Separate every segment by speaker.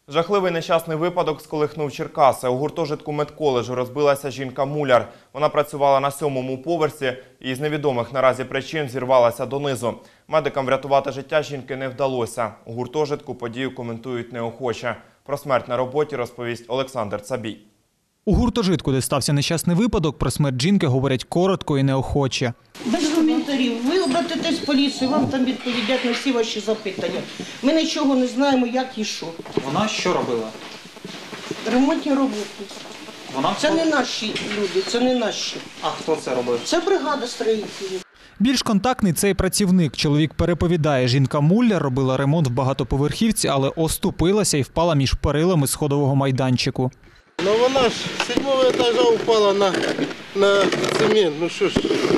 Speaker 1: Жахливий нещасний випадок сколихнув Черкаси. У гуртожитку медколеджу розбилася жінка-муляр. Вона працювала на 7-му поверсі і з невідомих наразі причин зірвалася донизу. Медикам врятувати життя жінки не вдалося. У гуртожитку подію коментують неохоче. Про смерть на роботі розповість Олександр Цабій.
Speaker 2: У гуртожитку, де стався нещасний випадок, про смерть жінки говорять коротко і неохоче.
Speaker 3: Без коментарів. Ви обратитесь в поліцію, вам там відповідять на всі ваші запитання. Ми нічого не знаємо, як і що.
Speaker 4: Вона що робила?
Speaker 3: Ремонтні роботи. Це не наші люди, це не наші.
Speaker 4: А хто це робив?
Speaker 3: Це бригада строїтелів.
Speaker 2: Більш контактний цей працівник. Чоловік переповідає, жінка-муляр робила ремонт в багатоповерхівці, але оступилася і впала між перилами сходового майданчику.
Speaker 5: Ну вона ж з 7-го етажа упала на цемент. Ну що ж,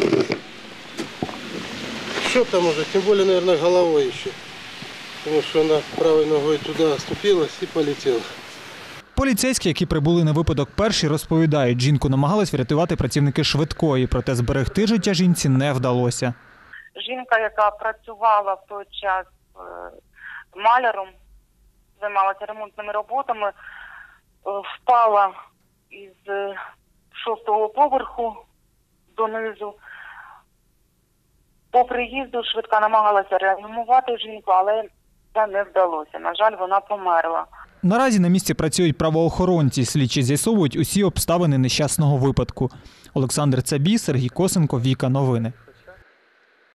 Speaker 5: що там уже, тим більше, мабуть, головою ще. Тому що вона правою ногою туди оступилась і полетіла.
Speaker 2: Поліцейські, які прибули на випадок перші, розповідають, жінку намагались врятувати працівники швидкої, проте зберегти життя жінці не вдалося.
Speaker 6: Жінка, яка працювала в той час маляром, займалася ремонтними роботами, впала із 6-го поверху донизу. По приїзду швидка намагалася реанімувати жінку, але це не вдалося. На жаль, вона померла.
Speaker 2: Наразі на місці працюють правоохоронці. Слідчі з'ясовують усі обставини нещасного випадку. Олександр Цабій, Сергій Косенко, Віка Новини.